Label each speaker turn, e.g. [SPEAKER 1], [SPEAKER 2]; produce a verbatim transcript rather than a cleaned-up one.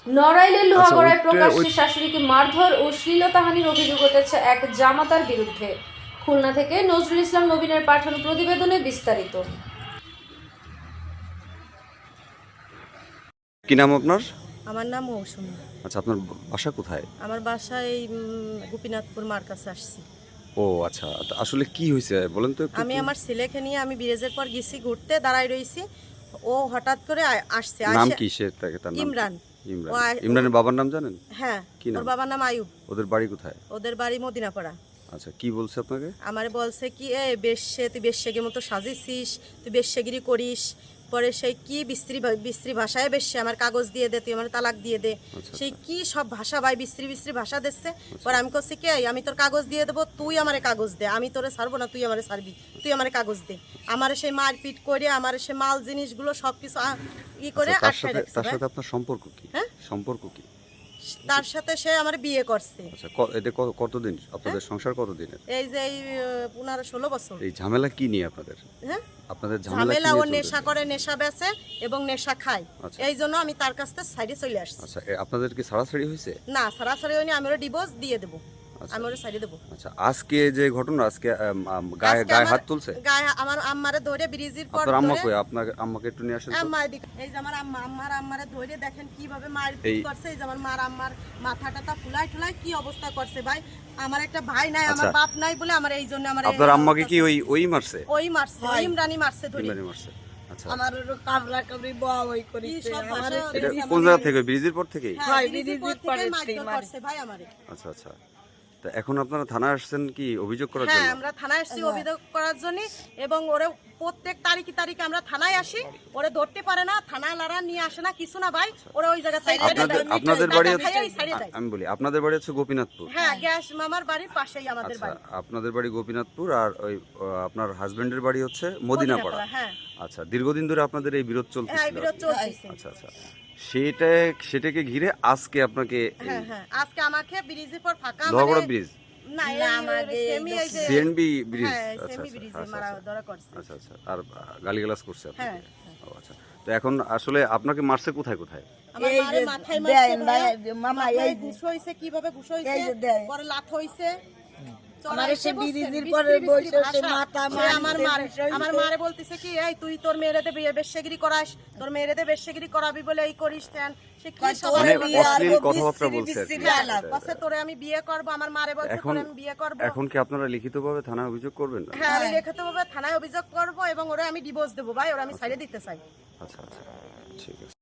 [SPEAKER 1] নড়াইলের লোহাগড়ায় প্রকাশ্যে শাশুড়িকে মারধর ও শ্লীলতাহানির অভিযোগ উঠেছে এক জামাতার বিরুদ্ধে। খুলনা থেকে নজরুল ইসলাম নবীনের পাঠানো প্রতিবেদনে বিস্তারিত।
[SPEAKER 2] কি নাম আপনার?
[SPEAKER 3] আমার নাম মৌসুমী।
[SPEAKER 2] আচ্ছা, আপনার বাসা কোথায়?
[SPEAKER 3] আমার বাসা এই উম, গোপীনাথপুর মার কাছে আসছি।
[SPEAKER 2] ও আচ্ছা, তা আসলে কি হয়েছে বলেন তো একটু।
[SPEAKER 3] আমি আমার ছেলেকে নিয়ে আমি ব্রিজের পর গেছি ঘুরতে, দাঁড়াই রইছি। ও হঠাৎ করে আ- আসছে।
[SPEAKER 2] নাম
[SPEAKER 3] আসে-
[SPEAKER 2] কি সে তাকে? তার নাম কি?
[SPEAKER 3] ইমরান।
[SPEAKER 2] ইমরান।
[SPEAKER 3] ও আ-
[SPEAKER 2] ইমরানের বাবার নাম জানেন?
[SPEAKER 3] হ্যাঁ,
[SPEAKER 2] কি
[SPEAKER 3] ওর
[SPEAKER 2] নাম?
[SPEAKER 3] বাবার নাম আয়ুব।
[SPEAKER 2] ওদের বাড়ি কোথায়?
[SPEAKER 3] ওদের বাড়ি মদিনাপাড়া।
[SPEAKER 2] আচ্ছা, কি বলছে আপনাকে?
[SPEAKER 3] আমারে বলছে কি, এ বেশ্যে তুই বেশ্যেগের মতো সাজিয়েছিস, তুই বেশ্যেগিরি করিস। পরে সেই কি বিশ্রী ভা- বিশ্রী ভাষায় বেশ্যে আমার কাগজ দিয়ে দে, তুই আমার তালাক দিয়ে দে।
[SPEAKER 2] আচ্ছা,
[SPEAKER 3] সেই কি সব ভাষা ভাই বিশ্রী বিশ্রী ভাষা দিচ্ছে। পরে আমি করছি কি, এই, আমি তোর কাগজ দিয়ে দেবো, তুই আমারে কাগজ দে, আমি তোরে ছাড়বো না, তুই আমারে ছাড়বি, তুই আমারে কাগজ দে। আমার সেই মারপিট করে আমার সে মাল জিনিসগুলো সব কিছু ই করে
[SPEAKER 2] আচ্ছা, তার
[SPEAKER 3] আটকায়
[SPEAKER 2] সাথে
[SPEAKER 3] রাখছে
[SPEAKER 2] তার
[SPEAKER 3] ভাই।
[SPEAKER 2] সাথে আপনার সম্পর্ক কি?
[SPEAKER 3] হ্যাঁ?
[SPEAKER 2] সম্পর্ক কি?
[SPEAKER 3] তার সাথে সে আমার বিয়ে করছে।
[SPEAKER 2] আচ্ছা, ক- এতে ক- কতদিন আপনাদের সংসার কতদিনের?
[SPEAKER 3] এই যে এই পনেরো ষোলো বছর।
[SPEAKER 2] এই ঝামেলা কি নিয়ে আপনাদের?
[SPEAKER 3] হ্যাঁ,
[SPEAKER 2] আপনাদের ঝামেলা কি
[SPEAKER 3] ঝামেলা ও
[SPEAKER 2] নিয়ে চলতেছে?
[SPEAKER 3] নেশা করে, নেশা বেচে এবং নেশা খায়।
[SPEAKER 2] আচ্ছা।
[SPEAKER 3] এই জন্য আমি তার কাছ থেকে সাইডে চলে আসছি।
[SPEAKER 2] আচ্ছা, এ আপনাদের কি ছাড়াছাড়ি হয়েছে?
[SPEAKER 3] না, সরাসরি হয়নি, আমি ওরা ডিভোর্স দিয়ে দেবো,
[SPEAKER 2] আচ্ছা।
[SPEAKER 3] আমি ওরা সাইডে দেবো।
[SPEAKER 2] আচ্ছা, আজকে যে ঘটনা, আজকে আম, আম, গায়ে
[SPEAKER 3] আজকে
[SPEAKER 2] গায়ে
[SPEAKER 3] আমার-
[SPEAKER 2] হাত তুলছে?
[SPEAKER 3] গায়ে আমার আম্মারে ধরে ব্রিজের পর
[SPEAKER 2] আপনার আম্মা
[SPEAKER 3] ধরে-
[SPEAKER 2] কই? আপনার আম্মাকে একটু নিয়ে আসেন তো।
[SPEAKER 3] আম্মা এদিকে, এই যে আমার আম্মা, আম্মার আম্মারে ধরে দেখেন কিভাবে মারপিট
[SPEAKER 2] এই-
[SPEAKER 3] করছে। এই যে আমার মার আম্মার মাথা টাথা ফুলাই টুলাই কি অবস্থা করছে ভাই। আমার একটা ভাই নাই, আমার
[SPEAKER 2] আচ্ছা।
[SPEAKER 3] বাপ নাই বলে আমার এই জন্য আমার এই
[SPEAKER 2] আপনার আম্মাকে কি
[SPEAKER 3] অবস্থা।
[SPEAKER 2] ওই ওই মারছে?
[SPEAKER 3] ওই মারছে, ওই ইমরানি মারছে ধরে।
[SPEAKER 2] ইমরানি মারছে। আচ্ছা,
[SPEAKER 4] আমার কামড়া কামড়ি বয়া ওই
[SPEAKER 3] কি
[SPEAKER 4] করেছে
[SPEAKER 3] সব
[SPEAKER 4] আমার
[SPEAKER 3] ভাষা-
[SPEAKER 2] এটা
[SPEAKER 3] এই যে
[SPEAKER 2] কোন
[SPEAKER 3] আমার-
[SPEAKER 2] জায়গা থেকে? ব্রিজের পর থেকেই?
[SPEAKER 3] হ্যাঁ,
[SPEAKER 4] হয়,
[SPEAKER 3] ব্রিজের
[SPEAKER 4] ব্রিজের
[SPEAKER 3] পর
[SPEAKER 4] পরে
[SPEAKER 3] থেকেই মারধর
[SPEAKER 4] থেকে
[SPEAKER 3] করছে ভাই আমারে।
[SPEAKER 2] আচ্ছা আচ্ছা, তা এখন আপনারা থানায় আসছেন কি অভিযোগ করার
[SPEAKER 3] হ্যাঁ,
[SPEAKER 2] জন্য?
[SPEAKER 3] আমরা থানায় আসছি অভিযোগ করার জন্য। এবং ওরে প্রত্যেক তারিখে তারিখে আমরা থানায় আসি, ওরে ধরতে পারে না, থানা লারা নিয়ে আসে না, কিছু না ভাই। ওরা ওই জায়গা থেকে
[SPEAKER 2] আপনাদের আপনাদের বাড়ি হচ্ছে,
[SPEAKER 3] সাইডে দেয়।
[SPEAKER 2] আমি বলি আপনাদের বাড়ি হচ্ছে গোপীনাথপুর।
[SPEAKER 3] হ্যাঁ, গ্যাস মামার বাড়ির পাশেই আমাদের
[SPEAKER 2] আচ্ছা,
[SPEAKER 3] বাড়ি।
[SPEAKER 2] আপনাদের বাড়ি গোপীনাথপুর আর ওই আহ, আপনার হাজবেন্ডের বাড়ি হচ্ছে মদিনাপাড়া।
[SPEAKER 3] মদিনাপাড়া, হ্যাঁ।
[SPEAKER 2] আচ্ছা, দীর্ঘদিন ধরে আপনাদের এই বিরোধ
[SPEAKER 3] হ্যাঁ,
[SPEAKER 2] চলতেছিল?
[SPEAKER 3] এই বিরোধ চলতেছে।
[SPEAKER 2] আচ্ছা আচ্ছা, সেটা সেটাকে ঘিরে আজকে আপনাকে
[SPEAKER 3] হ্যাঁ হ্যাঁ, আজকে আমাকে ব্রিজের পর ফাঁকা
[SPEAKER 2] লোহাগড়া
[SPEAKER 3] মানে-
[SPEAKER 2] ব্রিজ,
[SPEAKER 3] না, এই
[SPEAKER 4] আমাদের
[SPEAKER 3] সেমি এই যে
[SPEAKER 2] সিএনবি ব্রিজ।
[SPEAKER 3] হ্যাঁ,
[SPEAKER 2] আচ্ছা
[SPEAKER 3] সেমি
[SPEAKER 2] আচ্ছা,
[SPEAKER 3] ব্রিজে
[SPEAKER 2] আচ্ছা,
[SPEAKER 3] মারা
[SPEAKER 2] আচ্ছা।
[SPEAKER 3] ধরা করছে।
[SPEAKER 2] আচ্ছা আচ্ছা, আর গালিগালাজ করছে
[SPEAKER 3] হ্যাঁ,
[SPEAKER 2] আপনাকে? ও আচ্ছা, তো এখন আসলে আপনাকে মারছে কোথায় কোথায়?
[SPEAKER 3] আমার
[SPEAKER 4] এই
[SPEAKER 3] মারে
[SPEAKER 4] যে
[SPEAKER 3] মাথায়
[SPEAKER 4] দেয়,
[SPEAKER 3] মারছে ভাইয়া।
[SPEAKER 4] ভাইয়া, মামা,
[SPEAKER 3] মাথায়
[SPEAKER 4] এই যে-
[SPEAKER 3] ঘুষ হইছে, কিভাবে ঘুষ হইছে,
[SPEAKER 4] এই যে দেয়।
[SPEAKER 3] পরে লাথ হইছে।
[SPEAKER 4] আমারে সে বিরিদির
[SPEAKER 3] বিশ্রী
[SPEAKER 4] পরে
[SPEAKER 3] বিশ্রী
[SPEAKER 4] বসে সে
[SPEAKER 3] ভাষা।
[SPEAKER 4] মাথা
[SPEAKER 3] সে আমার
[SPEAKER 4] মারছে,
[SPEAKER 3] মারে
[SPEAKER 4] বিষয়
[SPEAKER 3] আমার
[SPEAKER 4] হইছে।
[SPEAKER 3] মারে বলতেছে কি, এই তুই তোর মেয়েরেতে বিয়ে বেশ্যগিরি করাস, তোর মেয়েরেতে বেশ্যগিরি করাবি বলে এই করিস তেন। সে কি সব
[SPEAKER 2] মানে
[SPEAKER 3] বলে?
[SPEAKER 2] অশ্লীল
[SPEAKER 4] আর
[SPEAKER 2] কথাবার্তা
[SPEAKER 4] বিশ্রী
[SPEAKER 2] বলছে আর কি।
[SPEAKER 4] বিশ্রী আলাপ।
[SPEAKER 3] বলছে তোরে আমি বিয়ে করব, আমার মারে বলছে
[SPEAKER 2] এখন
[SPEAKER 3] তোরে আমি বিয়ে করব।
[SPEAKER 2] এখন কি আপনারা লিখিতভাবে থানায় অভিযোগ করবেন না?
[SPEAKER 3] হ্যাঁ, আমি লিখিতভাবে থানায় অভিযোগ করব এবং ওরে আমি ডিভোর্স দেবো ভাই, ওরা আমি ছাড়িয়ে দিতে চাই।
[SPEAKER 2] আচ্ছা আচ্ছা, ঠিক আছে।